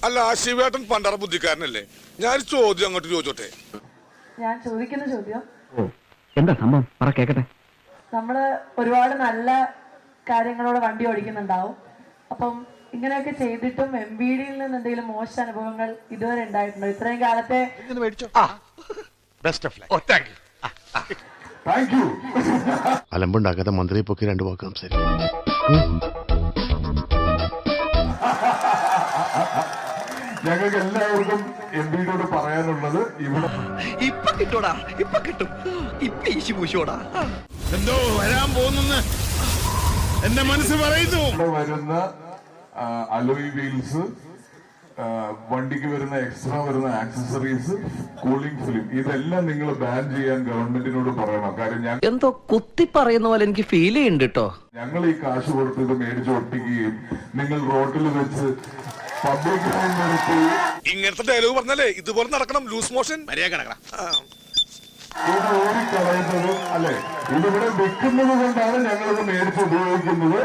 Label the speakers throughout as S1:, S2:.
S1: അല്ല ശിവേട്ടൻ പണ്ടറ ബുദ്ധിക്കാരനല്ലേ? ഞാൻ ചോദ്യം അങ്ങോട്ട് ചോദിച്ചോട്ടെ.
S2: ഞാൻ ചോദിക്കുന്ന ചോദ്യം
S3: എന്താ സംഭവം പറ കേക്കട്ടെ.
S2: നമ്മള് ഒരുപാട് നല്ല കാര്യങ്ങളോടെ വണ്ടി ഓടിക്കുന്നുണ്ടാവും. അപ്പം ഇങ്ങനെയൊക്കെ ചെയ്തിട്ടും MVD-യിൽ നിന്ന് എന്തെങ്കിലും മോശ അനുഭവങ്ങൾ ഇതുവരെ ഉണ്ടായിട്ടുണ്ടോ ഇത്രയും കാലത്തെ?
S4: അലമ്പുണ്ടാക്കാതെ മന്ത്രിയെ പൊക്കി 2 വാക്ക് സംസാരിക്കും.
S5: ഞങ്ങൾക്ക് എല്ലാവർക്കും MVD-യോട് പറയാനുള്ളത് ഇവിടെ
S6: ഇപ്പൊ കിട്ടൂടാ, ഇപ്പൊ കിട്ടും, ഇപ്പൊ ഈശി പൂശോടാ.
S1: എന്തോ വരാൻ പോകുന്നെന്ന് എന്റെ മനസ്സ് പറയുന്നു.
S5: വരുന്ന അലോയ് വീൽസ്, വണ്ടിക്ക് വരുന്ന എക്സ്ട്രാ വരുന്ന ആക്സസറീസ്, കൂളിംഗ് ഫിലിം, ഇതെല്ലാം നിങ്ങൾ ബാൻ ചെയ്യാൻ ഗവൺമെന്റിനോട് പറയണം. കാര്യം
S6: എന്തോ കുത്തി പറയുന്ന പോലെ എനിക്ക് ഫീൽ ചെയ്യുന്നുണ്ട് കേട്ടോ.
S5: ഞങ്ങൾ ഈ കാശ് കൊടുത്ത് ഇത് മേടിച്ച് ഒട്ടിക്കുകയും നിങ്ങൾ റോഡിൽ വെച്ച് പബ്ലിക് നിർത്തി
S1: ഇങ്ങനത്തെ ഡയലോഗ് പറഞ്ഞാലേ ഇതുപോലെ നടക്കണം. ലൂസ് മോഷൻ
S5: ഇത് ഓടിക്കളയുന്നത് അല്ലെ, ഇതിവിടെ വെക്കുന്നത് കൊണ്ടാണ് ഞങ്ങളിത് മേടിച്ച് ഉപയോഗിക്കുന്നത്.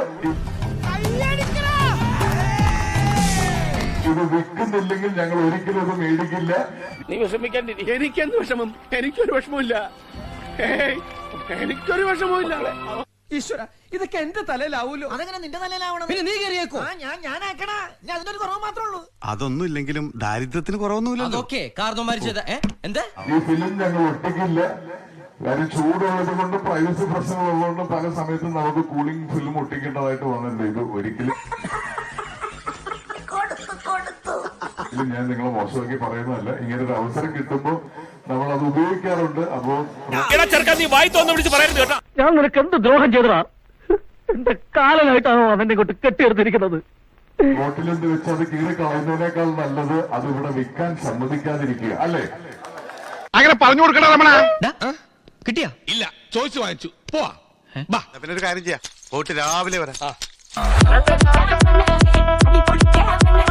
S5: ഇത് വിൽക്കുന്നില്ലെങ്കിൽ ഞങ്ങൾ ഒരിക്കലും ഇത് മേടിക്കില്ല.
S7: നീ വിഷമിക്കാൻ, എനിക്കെന്ത് വിഷമം? എനിക്കൊരു വിഷമമില്ല, എനിക്കൊരു വിഷമമില്ല.
S6: ഈശ്വര, ഇതൊക്കെ എന്റെ തലയിലാവൂലോ.
S8: അതെങ്ങനെ നിന്റെ തലയിലാവണം?
S6: പിന്നെ നീ കയറിയേക്കോ?
S8: ഞാനാക്കണ, ഞാൻ അതിനൊരു കുറവ് മാത്രമേ ഉള്ളൂ.
S4: അതൊന്നും ഇല്ലെങ്കിലും ദാരിദ്ര്യത്തിന് കുറവൊന്നുമില്ലല്ലോ.
S6: അതൊക്കെ കാരണം മരിച്ചത് എന്താ?
S5: ഈ ഫിലിം ഞങ്ങൾ ഒട്ടിക്കില്ല. കാര്യം ചൂടുള്ളത് കൊണ്ട്, പ്രൈവസി പ്രശ്നമുള്ളതുകൊണ്ട് പല സമയത്തും നമുക്ക് കൂളിംഗ് ഫിലിം ഒട്ടിക്കേണ്ടതായിട്ട് വന്നിട്ടുണ്ട്. ഇത് ഒരിക്കലും ഞാൻ നിങ്ങളെ മോശമാക്കി പറയുന്നതല്ല. ഇങ്ങനെ ഒരു അവസരം കിട്ടുമ്പോ നമ്മൾ അത് ഉപയോഗിക്കാറുണ്ട്. അപ്പോ
S3: ഞാൻ നിനക്ക് എന്ത് ദ്രോഹം ചെയ്തടാ? എന്റെ കാലനായിട്ടാണോ അവനെ കൊണ്ട് കെട്ടിയെടുത്തിരിക്കുന്നത്?
S5: റോട്ടിലെന്ത് വെച്ച് അത് കീറി കളയുന്നതിനേക്കാൾ നല്ലത് അത് ഇവിടെ വിൽക്കാൻ സമ്മതിക്കാതിരിക്കുക, അല്ലേ?
S1: അങ്ങനെ പറഞ്ഞു കൊടുക്കണ നമ്മളെ
S6: കിട്ടിയാ?
S1: ഇല്ല, ചോദിച്ചു വാങ്ങിച്ചു. പോവാ.
S4: പിന്നെ ഒരു കാര്യം ചെയ്യാം, പോയിട്ട് രാവിലെ വരാം.